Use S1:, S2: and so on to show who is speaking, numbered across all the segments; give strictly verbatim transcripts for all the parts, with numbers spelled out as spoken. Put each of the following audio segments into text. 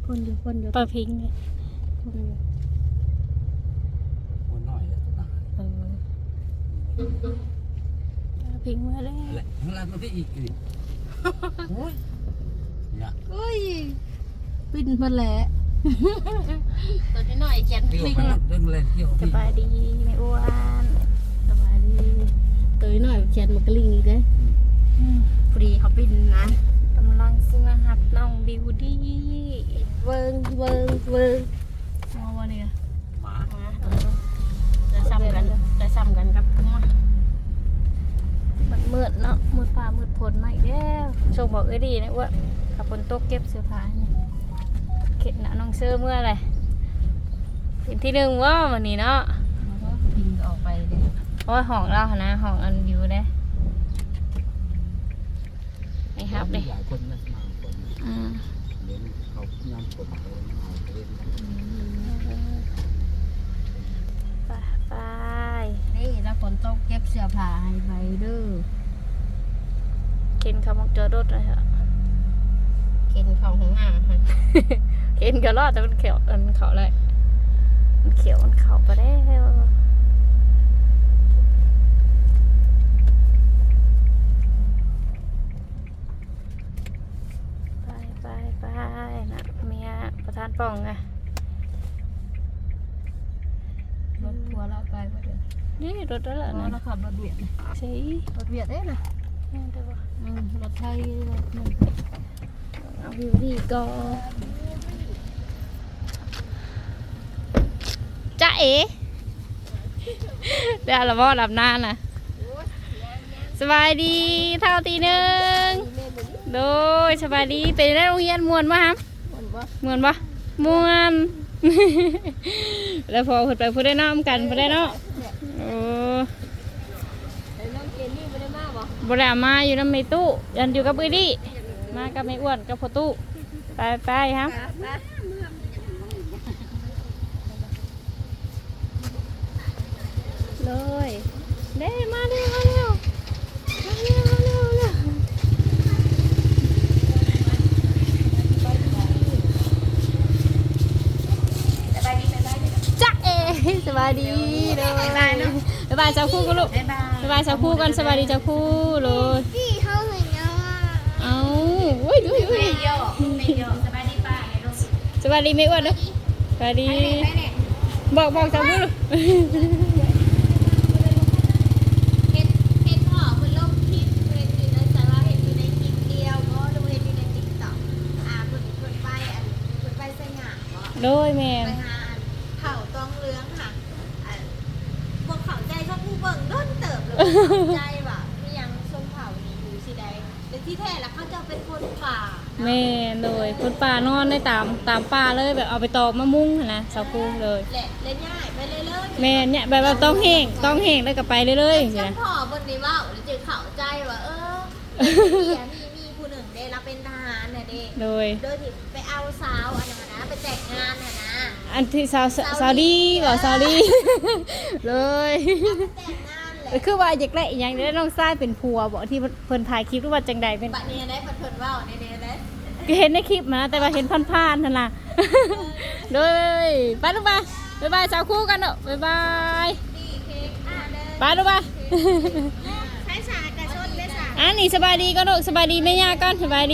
S1: คนอยู่คนอยู่
S2: ปลาพิงเลย
S1: คนอยู่
S3: คนน้อยแล้วตัวหนา
S2: เออปลาพิงมาแล้ว
S3: อะไรของเราตัวที่อีกอีกโอ้ยเนี่ย
S1: เฮ้ยปิ้นมาแหละ
S2: ตัวน้อยแขน
S3: เที่ยว
S2: พิง
S3: ไปเรื่องเล่นเที่ยว
S2: ส
S3: ที่
S2: บายดีไม่อ้วน
S1: สบายดีตัวน้อยแขนมันกระลิงอีกเด้ฟรีเขาปิ้นนะ
S2: กำลังซื้อมาหับน้องบิวดี้
S1: เวิงเวิงเวิง
S2: มาวันนี้
S3: หมา
S2: จะซ้ำกันจะซ้ำกันกับทั้งหมดมันมืดเนาะมืดฟ้ามืดฝนมาอีกแล้วโชคบอกเอ้ยดีนะอ้วนขับฝนตกเก็บเสื้อผ้าเนี่ยเข็ดหนะน้องเสื้อเมื่อไรเป็นที่หนึ่งว่าวันนี้เนาะ
S1: ปิ้นออกไปเด้
S2: เพราะว่าห้องเราหนะห้องอันวิวเด้นี่ครับเลย
S3: หลายคนนะมาคน
S2: อืม
S3: เลี้ยงเขาย่ำคนเขาเอาไปเลี้ยง
S2: ไปไป
S1: นี่แล้วฝนตกเก็บเสื้อผ้าให้ใบเด้อ
S2: เข็นเขามักเจอรถเลยฮะ
S1: เข็นของของอ่างค่ะ
S2: เข็นก็รอดแต่มันเขียวมันเขาเลยมันเขียวมันเขาไปแล้วไปไปไปนะเมียประธานป่องไง
S1: รถทัวร์เราไปว่าเดี๋ยว
S2: นี่รถแล้วล่ะ
S1: เรา
S2: นะ
S1: ขับรถเวียดนะ
S2: ใช่
S1: รถเวียดเด้นะ
S2: นี่เดี๋ยวว่า
S1: อืมรถไทยรถนั่น
S2: เอาวิวดีก็จ้าเอ๋เดี๋ยวเราบอกดับหน้านะสบายดีเท่าตีหนึ่งโดยสบายดีเป็นได้โรงเรียนมวนมาครับ
S1: คนบ่
S2: มวนปะมวน แล้วพอพูดไปพูดได้น้อมกันพูดได้เนาะโอ้
S1: ไอ้น้องเจนนี่ไม่ได้มาบ่
S2: บรามาอยู่น้ำไม่ตู้ยันอยู่กับเอ้ยดิมากับไม่อ้วนกับพ่อตู้ไปไปครับเลยเด้มาเร็วมาเร็วมาเร็วมาเร็วเร็วจ้าเอสบายดีเลยบ๊ายบายเนาะบ๊ายบายสาวคู่กันลูก
S1: บ๊ายบาย
S2: บ๊ายบายสาวคู่กันสบายดีสาวคู่เลย
S4: พี่เขาเห็นแล้วอ่ะ
S2: เอาอุ้ยดูดู
S1: ไม่โยกไม่โยกสบายดีป่ะไงลูก
S2: สบายดีไม่อ้วนเนาะสบายดี บอกบอกสาวคู่ลูก
S4: เห็นเห็นพ่อมันลงคลิปเห็นอยู่ในสาระเห็นอยู่ในคลิปเดียวก็ดูเห็นอยู่ในติ๊กต็อกอ่าเพิ่นเพิ่นไปอันเพิ่นไปใส่หงางบ่
S2: โดยแม่
S4: ไปหาอันเผาตองเหลืองค่ะอันพวกเขาใจเขาผู้เบิ่งด้นเติบเลยเขาใจว่ามียังชมเผานี่อยู่สิใดแต่ที่แท้แล้วเขาจะเป็นคนป่า
S2: แม่โดยคนป่านอนได้ตามตามป่าเลยแบบเอาไปตอกมะมุ้งหั่นนะสาวคู่เลย
S4: แหละเล่นง่ายไปเลยเลย
S2: แม่เนี่ยแบบว่าต้องแห้งต้องแห้งแล้วก็ไปเรื่อยๆ
S4: ฉั
S2: ใช่
S4: น
S2: ไหม
S4: พ่อบนนี้ว่าแล้วจึงเข้าใจว่าเออมีมีมีผู้หนึ่งเด้เราเป็นทหารน่ะเด้
S2: โดย
S4: โดยที่ไปเอาสาวอันนั้นนะไปแต่งงานน่ะนะ
S2: อันที่สาวสาวดีบอกสาวดี เลย
S4: แต่งงานแหละ
S2: คือว่าอยากได้อีกอย่างได้น้องทรายเป็นผัวบอกที่เพิ่นถ่ายคลิปหรือว่าจังใดเป็น
S4: บัดนี้ได้เพิ่นๆเว้าในนี้ได้
S2: เห็นในคลิปมาแต่ว่าเห็นผ่านๆนั่นล่ะ เลยไปลูกไปบ๊ายบายสาวคู่กันเนอะบ๊ายบาย
S4: นี่เค้กอ่าเด้อ
S2: ไปลูกไป
S4: ใช้สากกระชนได้สา
S2: อันนี้สบายดีก็ลูกสบายดีไม่ยากกันสบายดี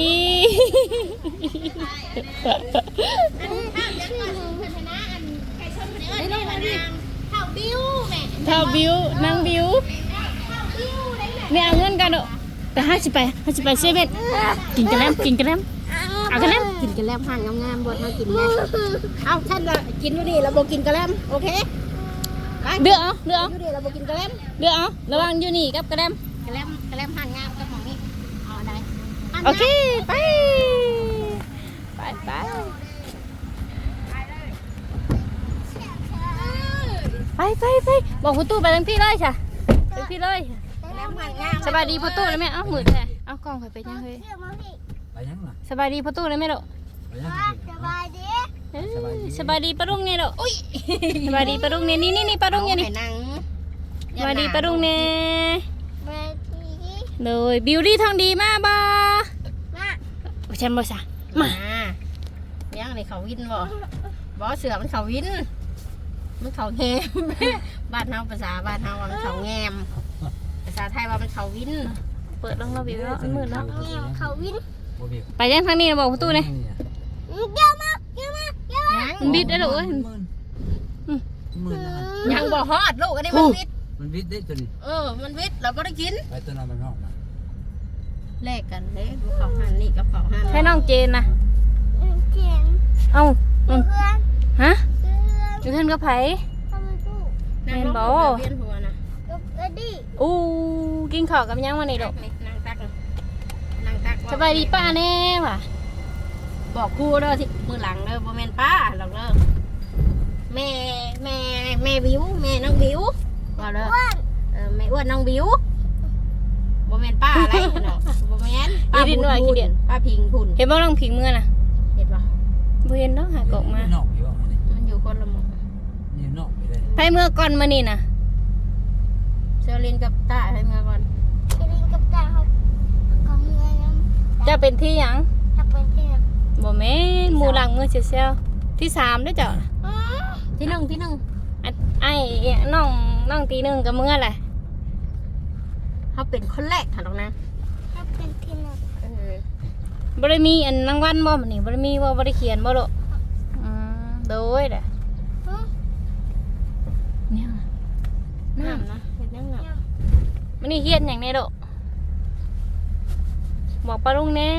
S4: อันนี้ข้าวยังก่อนเพิ่นชนะอันไก่ชนเพิ่นเอิ้นได้ว่านางข้าวบิ้วแม่
S2: เท่าบิวนางบิว
S4: ข้าวบิ้วได้แหละ
S2: ไม่เอาเงินกันเนอะแต่ห้าสิบไปห้าสิบไปเซเว่นกินกันแล้วกินกันแล้วเอากันแล้ว
S1: กินกระแลมห่างงามๆบดมากินแม่เอาท่านละกินอยู่ดีเราบ่กินกระแลมโอเคไป
S2: เดือเอาเดือเอา
S1: อยู่ดีเราบ่กินกระแลม
S2: เดือเอาระวังอยู่นี่กับกระเดม
S1: กระแลมกระแลมห่างงามกับหมองนี่เอาอะไร
S2: โอเคไปไปไปไปไปไปบอกพ่อตู้ไปทั้งพี่เลยจ้ะไปพี่เลย
S1: กระแลมห่างงาม
S2: สบายดีพ่อตู้เลยไหมเอ้าหมืดแท้เอากล้องไปไปยังเฮ้ย
S3: ไปยังล่ะ
S2: สบายดีพ่อตู้เลยไหมลูก
S3: ไปยัง
S4: สบายดี
S2: เอ้ยสบายดีปะรุ่งเนี่ยลูกอุ้ยสบายดีปะรุ่งเนี่ยนี่นี่นี่ปะรุ่งเนี่ยนี่
S1: หนัง
S2: สบายดีปะรุ่งเนี่ย
S4: แม่ที
S2: เลยบิวตี้ทองดีมากบ่
S4: มา
S2: โอ้ฉันบ่ซะมา
S1: มายังนี่เขาวินบ่บ่เสือมันเขาวินมันเขาแงม บ้านเฮาภาษาบ้านเฮาว่ามันเขาแงมภาษาไทยว่ามันเขาวิน
S2: เปิดลองเราบิวแล้วมันมืดแล้ว
S4: แงวเขาวิน
S3: บ่บิว
S2: ไปยังทางนี้นะบอกประตูเลย
S4: เยอะมากเยอะมากเยอะมาก
S2: มันบิดได้หรอเอ้ย
S3: หมื่นนะ
S1: ยังบ่ฮอดลูกอันนี้มันวิทย์
S3: มันวิทย์ได้ตัวนี้
S1: เออมันวิทย์เราบ่ได้กิน
S3: ไปตัวนั้นมันห้องมา
S1: แลกกันเด้ดูเขาหันนี่กับเขาหัน
S2: ให้น้องเจนนะ
S4: เขียน
S2: เอ้าอืม
S4: เพื่อน
S2: ฮะ
S4: เพื่อน
S2: อยู่เท่านกับไผ
S4: ทำไมตู้
S1: นั่งลงเวียนหัวนะ
S4: กับเอ็ดดี้
S2: อู้กินข้าวกับยังวันนี้ดอก
S1: นี่นั่งตักนั่งตัก
S2: สบายดีป้าแน่ว่ะ
S1: บอกครูเด้อที่มือหลังเด้อบ่แม่นป้าหรอกเด้อแม่แม่แม่บิวแม่น้องบิวว่าเด้อ
S4: อ้วน
S1: เออแม่อ้วนน้องบิวบ่แม่นป้าอะไรเนาะบ่แม่นป้าพิงพุ่น
S2: เห็นบ่น้องผิงเมื่อน่ะ
S1: เห็นป่ะ
S2: บ่เห็นเนาะหากอกมา
S3: นอกอยู่อันนี้
S1: มันอยู่คนละหมู่
S3: นี่นอกไปเลย
S2: ไผเมื่อก่อนมานี่น่ะ
S1: เซลินกับตาให้มาก่อน
S4: เอ็ดดี้กับตาเขาเขาเมื่อยน้ำ
S2: เจะเป็นที่หยัง
S4: ถ้าเป็นที่ไหน
S2: บ่แม่นหมู่หลังเมื่อเซลๆที่สามเด้อเจ้าน่ะ
S1: ที่หนึ่งที่หนึ่ง
S2: อันไอ้น้องน้องตีหนึงกับเมื่อแหละ
S1: เขาเป็นคนแรกค่ะน้องนะ
S4: ถ้าเป็นที่ไหน
S1: เออ
S2: บ่ได้มีอันรางวัลบ่มื้อนี้บ่ได้มีบ่บ่ได้เขียนบ่ลูกอืมโดยเด้อเนี่ย
S1: น้ำนะเห็นยังไง
S2: มื้อนี้เฮียนหยังแน่ลูกบอกป้าลุงแน่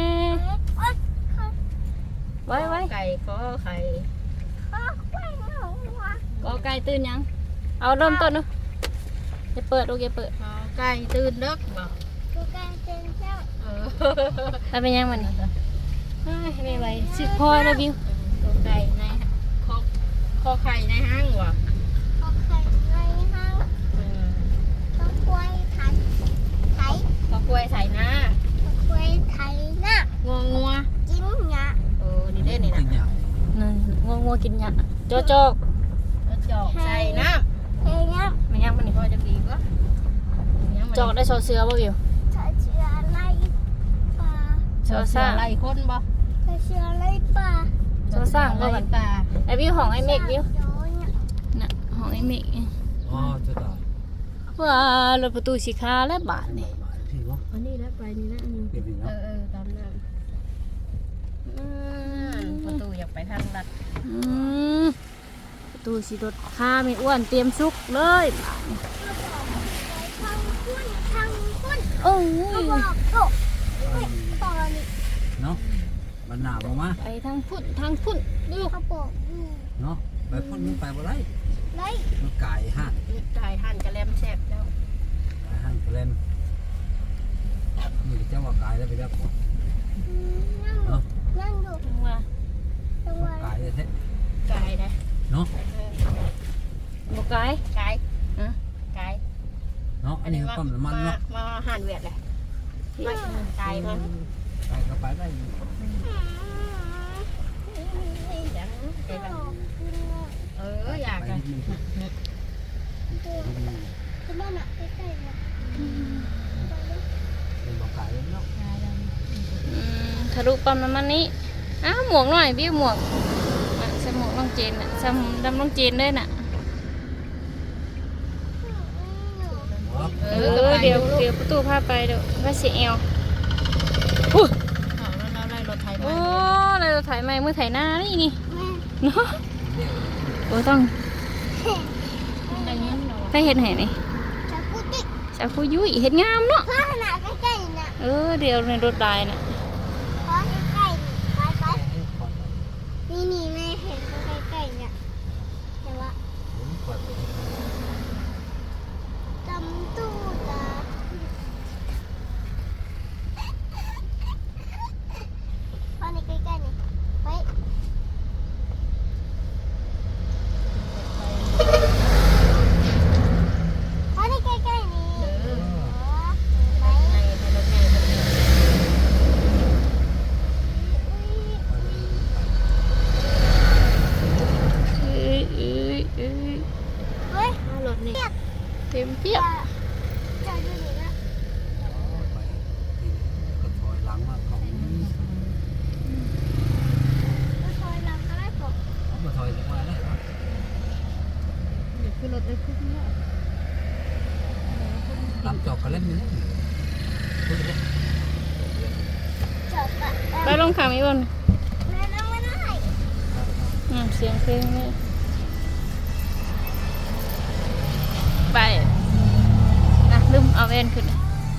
S2: ไว้ไว้
S1: ไก่ก็ไข่
S4: เขาไปเหงาว่ะ
S2: ก็ไก่ตื่นยังเอาเริ่มต้นเนาะอย่าเปิดลูกอย่าเปิด
S1: เอาไก่ตื่นเด็กบอก
S4: กูการเป็นเจ้า
S1: เออ
S2: แล้วเป็นยังมันนี่อ้ายไม่ไหวสิพอแล้วบิว
S1: ตัวไก่ในคอคอไข่ในห้างวะ
S4: เขาเคยในห้าง
S1: เออ
S4: ต้องควยไทยไทย
S1: คอกล้วยใส่หน้า
S4: ต้องควยไทยนะ
S1: งัวงัว
S4: จิ้มหยา
S1: เออนี่เด้นี่
S3: กิ
S1: นะ
S3: นหยา
S2: นั่นงัวงัวกินหยาโจโจก
S1: แล้วจอกใส่น้
S4: เฮีย
S2: มันยังมันนี่
S1: ำพอจะดีก็
S2: จอกได้โซเสือบ่บิว
S4: ถ้าเชื่ออะไรป่า
S2: โซซ่า
S1: ไล่คนบ่
S4: ถ้าเชื่ออะไรป่า
S2: โซซ่าบ่กัน
S1: ตา
S2: ไอ้บิวของไอ้เมฆบิว
S4: โดนเนี่ย
S2: น่ะของไอ้เมฆ
S3: อ๋อจะตาย
S2: ว่ารถประตูสีขาและบาทนี่
S3: พี่วะ
S1: อันนี้แล้วไปนี่นะอันนี้
S3: เก็บอีก
S1: เอ
S3: แล้ว
S1: อเออตามน้ำอืมประตูอยากไปทางลัด
S2: อืมประตูสีรถขาไม่อ้วนเตรียมซุกเลยบาทนี่
S4: ทางคุ้นทางคุ้น
S2: โอ้
S4: เขา
S2: ย
S4: บอกโตเฮ้ยตอนนี้
S3: เนาะมันหนาวออกมา
S2: ไปทางพุ่นทางพุ่นดู
S4: เขาบอกอยู่
S3: เนาะไปพ่นมันไปบ่ได้
S4: ไร
S3: มันไก่ห่าน
S1: นี่ไก่หั่นกระแลมแซ่บแล้ว
S3: ไก่ห่านแกลมนี่เจ้าว่าไก่แล้วไปแล้ว
S4: นั่ง
S3: เนาะ
S4: นั่งดู
S2: ว่า
S4: จังหวะ
S3: ไก่แท้
S1: ไก่นะ
S3: เนาะ
S1: เออ
S2: บ่ไกล
S1: ไก่
S2: ฮะ
S1: ไก่
S3: เนาะอันนี้ปั๊มน้ำมันเนาะ
S1: มาหั่นเวียดเลยมาไก่มัน
S3: ไก่ก็ไปได้อยู่
S1: จังไก่กันเอออยาก
S3: ไป
S1: กัน
S3: นิดนึง
S4: คือบ้านอะใกล้ๆเนี่ย
S3: เป็นบ่ไก่เนาะ
S2: อืมทะลุปั๊มน้ำมันนี้อ้าวหมวกหน่อยบิวหมวกอ่ะใส่หมวกน้องเจนน่ะใส่ดำน้องเจนด้วยน่ะ เออเดี๋ยวเดี๋ยวประตูพาไปเดี๋ยวว่าเสียเอวอู้
S1: เอาแล้วเราได้รถไถ
S2: โอ้
S1: มา
S2: เลยเราถ่ายไม้มือถ่ายหน้านี่นี่
S4: แม่
S2: เนาะโอ้ต้อง
S1: ได้ยินเรา
S2: ถ้าเห็นไหนนี่
S4: จะกูติด
S2: สาวคุยุยเห็นงามเนาะ
S4: ข้าขนาดใกล้ๆน่ะ
S2: เออเดี๋ยวในรถได้น่ะ
S4: ขอใกล้ๆไปไปนี่นี่แม่เห็นเขาใกล้ๆเนี่ยแต่ว่าจำตู้ตาพอนี่ใกล้ๆนี่ไปพอนี่ใกล้ๆนี่
S1: เออ
S4: ไป
S1: ในในรถไงรถไง
S2: ลงขาไม่บน
S4: แม่นั่งไม่ได้
S2: อืมเสียงเพลงนี่ไปนะลืมเอาแว่นขึ้น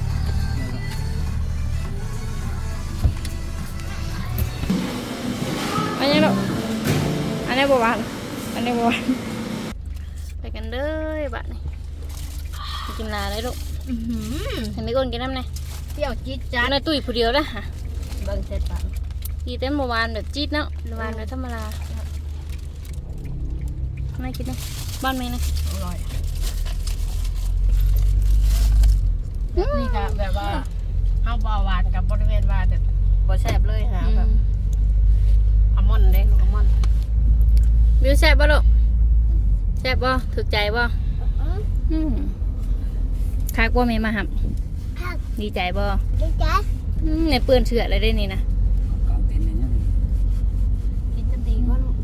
S2: อันนี้ลูกอันนี้บัวบานอันนี้บัวบานไปกันเลยบ้านนี่ไปกินลาเลยลูก
S1: อื้อหือ
S2: เห็นไหมก้นกินน้ำไง
S1: เปรี้ยวจี๊ด
S2: จา
S1: จ๊าด
S2: นตุ้ยผู้เดียวละฮะ
S1: เบิ่งเสร็จปะ
S2: ดีเต้นบัวบานแบบจี๊ดเนาะบัวบานแบบธรรมดาไม่กินเลยบ้านไหมนะ
S1: อร่อยแบบนี่ก็แบบว่าเฮาบ่หวานกับบริเวณว่าแต่บ่แซ่บเลยนะแบบอัลมอนด์เด้ลูกอัลมอนด์
S2: วิวแซ่บบ่ลูกแซ่บบ่ถูกใจบ่อืมคักบ่แม่มาหับ
S4: ผัก
S2: ดีใจบ่
S4: ดีจ้ะ
S2: อืมในเปื้อนเชืออะไรได้นี่นะ
S3: กลางเต็นท์เนี่ย
S1: กินจะดีกว่าลูก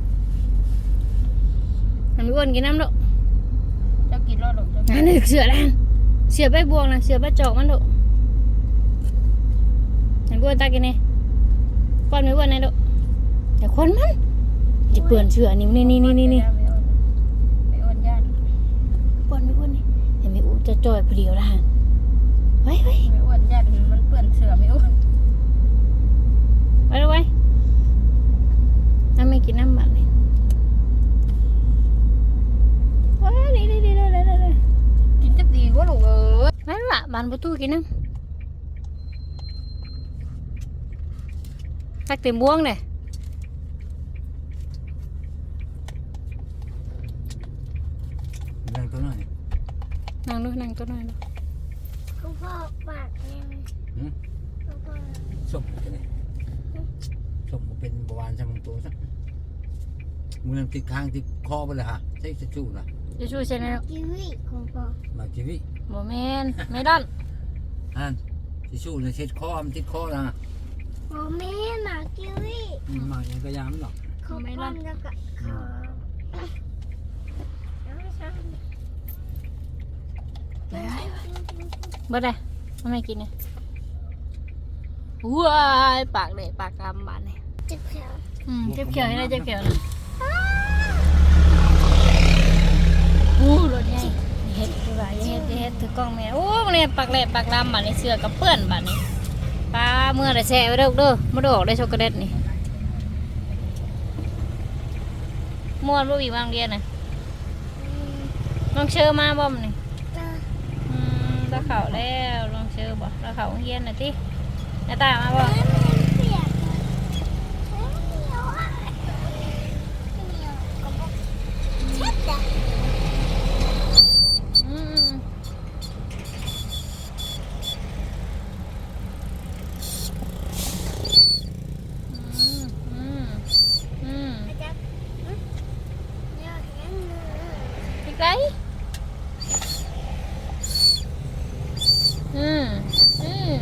S2: ทำให้อ้วนกินน้ำลูก
S1: เจ้ากินรอดลูกเจ้า
S2: อันนี้เสือแล้วเสือใบบวงนะเสือใบจอกมันลูกทำให้อ้วนตากินนี่ป้อนไม่อ้วนนะลูกแต่คนมันจะเปื้อนเชือนี่นี่นี่นี่นี่นี่
S1: ไม่อ้วนญาติ
S2: ป้อนไม่อ้วนนี่เห็นไหมอ้วนจะจ่อยเพลียวละฮะไว้ไว้
S1: ไม่อ้วนญาติมันเปื้อนเสือไม่อ้วน
S2: ไว้ไว้น้ำไม่กินน้ำบัตรเลยว้านี่นี่นี่นี่นี่นี่
S1: กินจะดีกว่าลูกเอ้ย
S2: ไว้ละบานประตูกินน้ำทักเต็มบ่วงเลย
S3: นั่งตัวน้อย
S2: นั่งดูนั่งตัวหน่อยดู
S4: คุณพ่อปากเนี่ย
S3: หืม
S4: คุณพ่อ
S3: ส้มเป็นไงส้มบ่เป็นบวานใช่มั้งตัวสักมือนั่งติดค้างติดคอไปเลยฮะใช่จะชู้นะ
S2: จะช่วยใช่ไหมลูก
S4: กีวีคุณพ่อ
S3: มาชีวิต
S2: บ่แม่นไม่ดอน
S3: อ่านจะชู้เลยเช็ดคอมันติดคอนะ
S4: โอ้แม่หมากีวี
S3: อืมมาอย่างก็ยามหรอก
S4: เขาปั้นแล้วก็เขาเอาไม่ใช่
S2: เบิดเลยทำไมกินเนี่ยว้ายปากเลยปากกำบานเลย
S4: จิบแผล
S2: อืมเจ็บเขียวให้ได้เจ็บเขียวนะอู้รถใหญ่เฮ็ดดีกว่าอย่าเฮ็ดอย่าเฮ็ดถือกล้องแม่โอ้เนี่ยปากแหลกปากดำบานนี้เสื้อกับเปื้อนบานนี้ปลาเมื่อไรแช่ไว้เด้อเด้อมาดอกได้ช็อกโกแลตนี่ม่วนบ่มีบางเรียนน่ะน้องเชื่อมาบ่มนี่ อืมตาเขาแล้วลองเชื่อบ่ตาเขาเฮียนหน่อยติหน้าตามาบ่
S4: เปียกเหนียวอ่ะเหนียวก็บอกเช็ดจ้ะ
S2: อืมอืมอืม
S4: อาจารย์เหนียวอย่างนั้นเลย
S2: อีกไรอืมอืม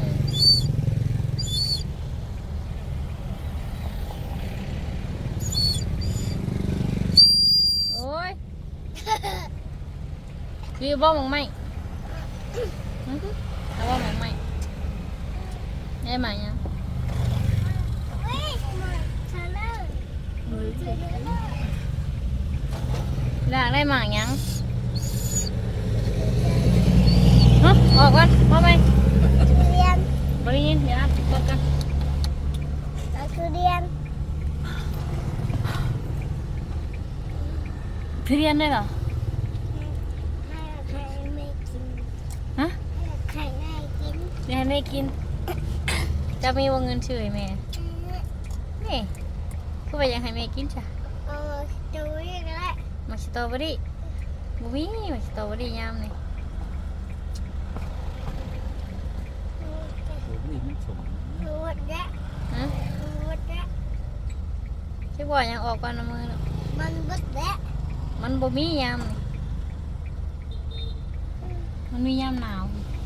S2: โอ้ยวิวบ่มองไหมอืมเอาบ่มองไหมได้ไหมยัง
S4: เฮ้ยมาเธอเลยเธอเลย
S2: อยากได้หมากยังฮะออกก่อนมาไหม
S4: ทุเรียน
S2: บริยินเดี๋ยวนะกดกัน
S4: เอาทุเรียน
S2: ทุเรียนได้เหรอ
S4: ให้ใครไม่กิน
S2: ฮะ
S4: ให้ใครไม่กิน
S2: เรียนได้กิน จะมีวงเงินช่วยแม่นี่คือว่ายังให้แม่กินจ้ะ
S4: เออดูนี่ก็ได้
S2: มาสตรอเบอรี่บุ้ยมาสตรอเบอรี่ยามนี่
S3: ตัวนี้มันสม
S4: ดูหมดแล้ว
S2: ฮะ
S4: ดูหมดแล้ว
S2: ที่บอกยังออกก่อนนะมือเนาะ
S4: มันหมดแล้ว
S2: มันบ่มียามนี่มันมียามหนาว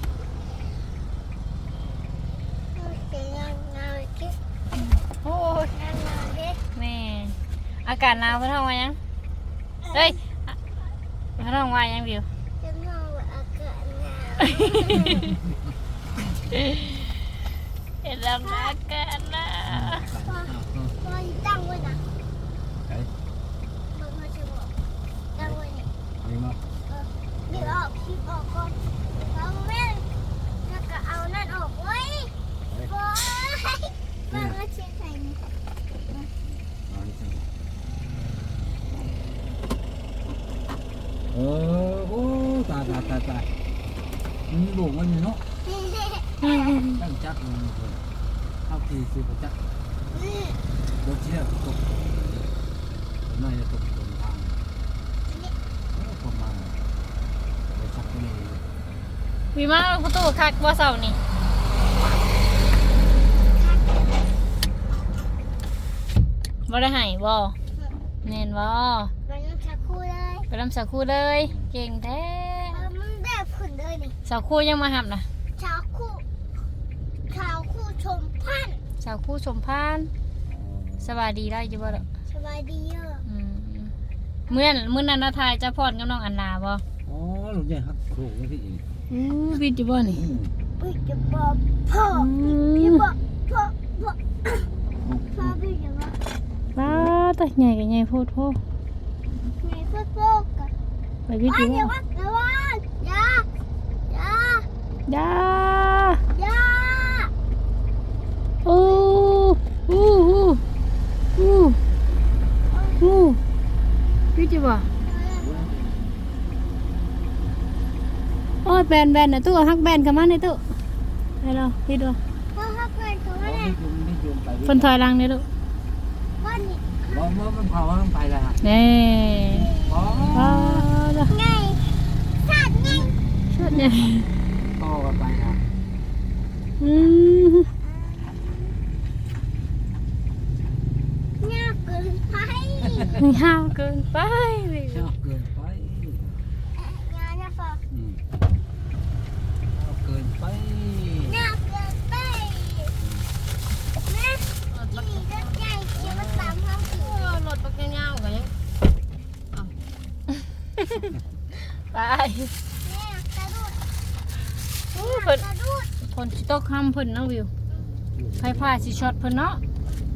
S4: เสียงเงาคิ
S2: โอ้ย
S4: เงาเงาคิ
S2: แม่อากาศหนาวเพิ่นท้องว่ายังเฮ้ยอะเพิ่นท้องว่ายังวิว
S4: จะมองว่าอากาศหนาว
S2: เห็นแล้วนะอากาศหนาว
S4: พอตั้งไว้นะ
S3: ไอ้
S4: เบิ่งเขาจะบอกตั้งไว้นี่
S3: นี่มา
S4: เดี๋ยวออกคลิปออกก่อนเอาแม่แล้วก็เอานั่นออกไว้บอยมาเอาเชียร์ใส่นี่
S3: เออโอ้ตายตายตายตายมันหลงมันเนาะตั้งจักมันเลยเข้าทีสิบจักรถเชี่ยวตกน่าจะตกตรงทางประมาณไปชักไปเลย
S2: มีมาประตูคักว่าเสาร์นี่บ่ได้ให้บ่แน่นบ่
S4: มันยังชักคู่เลย
S2: ไปรำสาวคู่เลย เก่งแท้
S4: เออมันแบบขุนเลยนี่
S2: สาวคู่ยังมาหับนะ
S4: ชาวคู่ชาวคู่ชมพันธุ์
S2: สาวคู่ชมพานสบายดีได้จ้ะบ่ล่ะ
S4: สบายดีเยอะ
S2: อืมเมื่อนั้นมื้อนั้นนาทายจะพรกับน้องอันนาบ่
S3: อ๋อหลุดใหญ่ครับโขกไม่ที่อีก
S2: อู้พี่จิบ่นี่
S4: อุ้ยจะบอกพ่อพี่บอกพ่อพ่อพ่อพี่จะบอก
S2: ว้าตะใหญ่กับใหญ่โพดโพ
S4: แม่พ่อพ่อกัน
S2: ไปพี่
S4: ว่า
S2: จิ
S4: เดี๋ยว
S2: บ่
S4: ว่าเดี๋ยวว่าอย่าอย่า
S2: ดา
S4: อย่า
S2: โอ้อู้อู้อู้อู้พี่จิบ่โอ้ยแบนแบนนะตู้ฮักแบนกันมาในตู้ไปรอพี่ดู
S4: พ่อฮักเลยเขา
S3: ไม่
S4: เนี่ย
S3: จุ่มไม่จุ่มไป
S2: เพิ่นถอยหลังนี่ลูก
S4: พ่อนี่
S3: ร้อนว่ามันเผามันไปแล้ว
S2: นี่
S3: อ๋อ
S2: ว้าวจ้ะ
S4: ไงสัตว์ไง
S2: ชุดเนี่ย
S3: ต่อกันไปนะ
S2: อืม
S4: เงียบเกินไป
S2: ยาวเกินไป
S3: ชอบเกินไป
S4: งานนะพ่อ
S3: อืมชอบเกินไป
S4: เงียบเกินไปแม่ขี่รถใหญ่ขี่มาตามห้องขี่
S1: เออรถปักยาวๆกันยัง
S2: ไป
S4: แม่กระโดด
S2: อู้เพิ่น
S4: กระโดด
S2: เพิ่นสิตกคำเพิ่นเนาะวิวไฟฟ้าสิช็อตเพิ่นเนาะ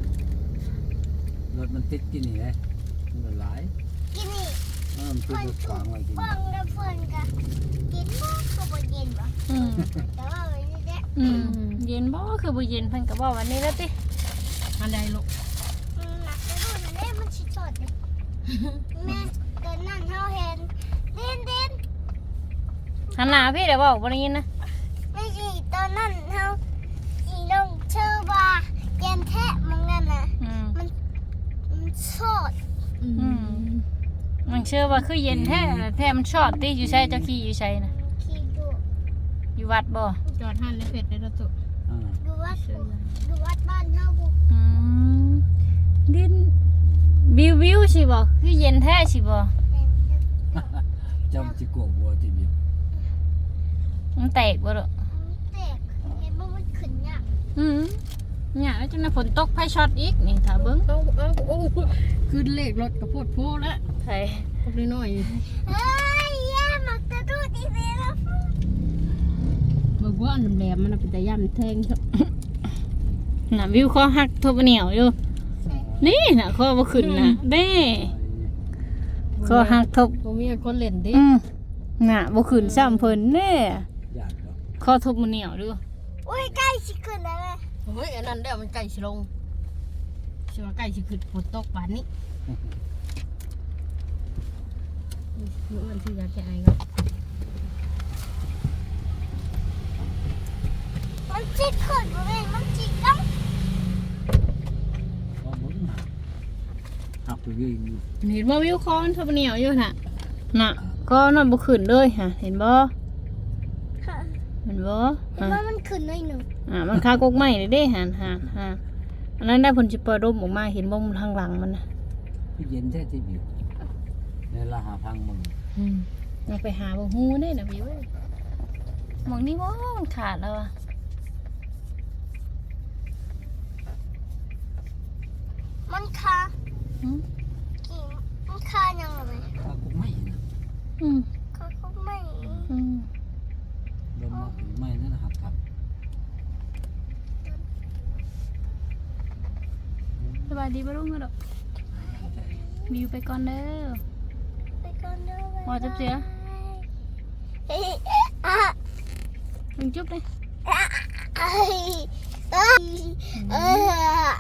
S3: รถมันติดกินนี่เลยมันหลาย
S4: กินนี่
S3: เออมันติดรถขวางไว้กิน
S4: ฟังแล้วเพื่อนกันกินบ่ก็บ่เย็นบ่
S2: อืม
S4: แต่ว่าวันนี้แหละ
S2: อืมเย็นบ่คือบ่เย็นเพิ่นก็บอกวันนี้แล้วติ
S1: อันใดลูก
S4: อืมหนักกระโดดอันนี้มันชิดสดเลยแม่ตอนนั้นเฮาเห็นเด่นเด่น
S2: หันหน้าพี่เดี๋ยวบอกบ่ได้ยินนะ
S4: ไม่ใช่ตอนนั้นเฮาอีลงเชื่อว่าเย็นแท้มึงนั่นน่ะ
S2: อืม
S4: มันสด
S2: อืมมันเชื่อว่าคือเย็นแท้แท้มันช็อตติอยู่ใช้เจ้าขี้อยู่ใช้น่ะ
S4: ขี่ดู
S2: อยู่วัดบ่
S1: จอดหันเลยเผ็ดเลยนะตุ
S3: อ่า
S4: ดูวัดดูวัดบ้านเฮาบุ
S2: อืมดินวิววิวสิบ่คือเย็นแท้สิบ่
S3: จำจิโกะบัวจิบิบ
S2: มันแตกบ่ดอก
S4: แตกเห็นบ่มันขึ้นยาก
S2: อืมเนี่ยแล้วจังได๋ฝนตกไผช็อตอีกนี่ถ้าเบิ่ง
S1: เอาเอาโอ้ขึ้นเลขรถกระโพดโพแล้ว
S2: ไผ
S1: พวกน้อย
S4: เอ้ยแย่มักกระโดดอีกแล้ว
S1: ๆเบิกว่าอันแหลมมันเป็นตะย่ำแทงเถอะ
S2: น่ะวิวคอหักทบเหนียวอยู่ นี่น่ะคอบ่ขึ้นน่ะเด้คอหักทบ
S1: บ่มีคนเล่นดิ
S2: อืมน่ะบ่ขึ้นซ้ำเพิ่นเด้
S3: ญาติเนาะ
S2: คอทบเหนียวดู
S4: โอ้ยใกล้สิขึ้นแล้วแม่
S1: เฮ้ยอันนั้นเดี๋ยวมันใกล้สิลงสิว่าใกล้สิขึ้นฝนตกป่านนี้มื้อวันที่อยากแก่ไอ้ครับ
S4: มันจิกขึ้นบ่แม่มันจิกกัง
S3: ก็หมุนหักหักไปวิ่ง
S2: เห็นบ่วิวคอมันทบเหนียวอยู่น่ะน่ะก็นอนบ่ขึ้นเลยฮะเห็นบ่เห็นบ่
S4: เห็นว่ามันขึ้นหน่อยหนึ่ง
S2: อ่ามันคากกไม้เด้เด้หันหันหันอันนั้นได้ผลสิเปิดร่มออกมาเห็นบ่มันทางหลังมันน่ะ
S3: พี่เย็นแท้จิบิบในละหาพังมึง
S2: อืมเราไปหาบ่ฮู้เด้น่ะวิวเอ้ยหมองนี้บ่มันขาดแล้วอ่ะ
S4: มันคา
S2: อืม
S4: กี่มันคายังไง
S3: ถ้ากุ๊กไม่นะ
S2: อืม
S4: เขาก็ไม่
S2: อืม
S3: โดนมากุ๊กไม่นั่นหักครับ
S2: สบายดีป่ะลุงก็ดอกบิวไปก่อนเด้อ
S4: ไปก่อนเด้อ
S2: พอจับเสือลุงจุ๊บเลย
S4: เอ้ยเอ้ย